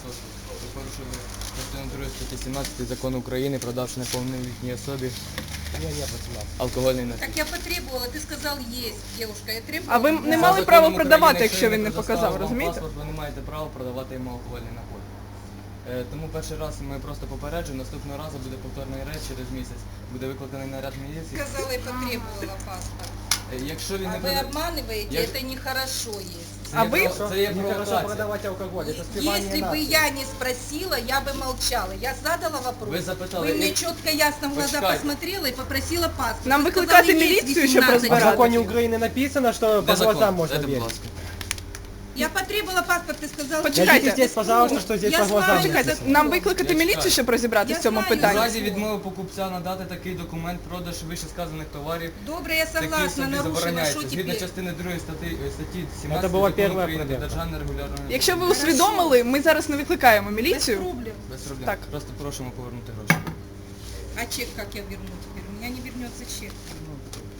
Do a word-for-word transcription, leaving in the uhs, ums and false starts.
особи. Ви порушили частину другу статті сімнадцять Закону України, продавши неповнолітній особі алкогольний напій. Так я потребовала, ты сказал есть, девушка, я требовала. А ви не За мали законом право України, продавати, якщо він не предоставив показав, вам розумієте? паспорт, ви не маєте права продавати йому алкогольний напій. Е, Тому перший раз ми просто попереджуємо, наступного разу буде повторний рейд через місяць, буде викликаний наряд міліції. Сказала и потребовала паспорт. Е, Якщо він А не вы буде... обманываете, Я- это нехорошо есть. Це А є ви- про- Це є Нехорошо провокація. продавать алкоголь, это спивание Если бы нации. я не спросила, я бы молчала. Я задала вопрос. Вы запытали. Вы мне И- четко, ясно в глаза Почекайте. посмотрела и попросила паспорт. Нам Вы викликати сказали, есть міліцію, щоб восемнадцать. А в розбиратися? законе Украины написано, что Де по закон? глазам можно Дайте, будь верить. ласка. Я потребовала паспорт, ты сказал. Почекайте. Найдите здесь, пожалуйста, что здесь Я по с глазам вами Почекайте, написано. нам викликати Я міліцію, чекаю. щоб розібратися Я в цьому знаю. У питанні? разі відмови покупця надати такий документ, продаж вищесказаних товарів, Добре, я такий согласна, собі нарушила, забороняється. що Згідно теперь? частини другої статті, статті Це сімнадцять була Закону перша України про проверка. державне регулярне... Якщо ви Хорошо. усвідомили, ми зараз не викликаємо Без міліцію. проблем. Без проблем. Так. Просто просимо повернути гроші. А чек как я верну теперь? У меня не вернется чек. Ну,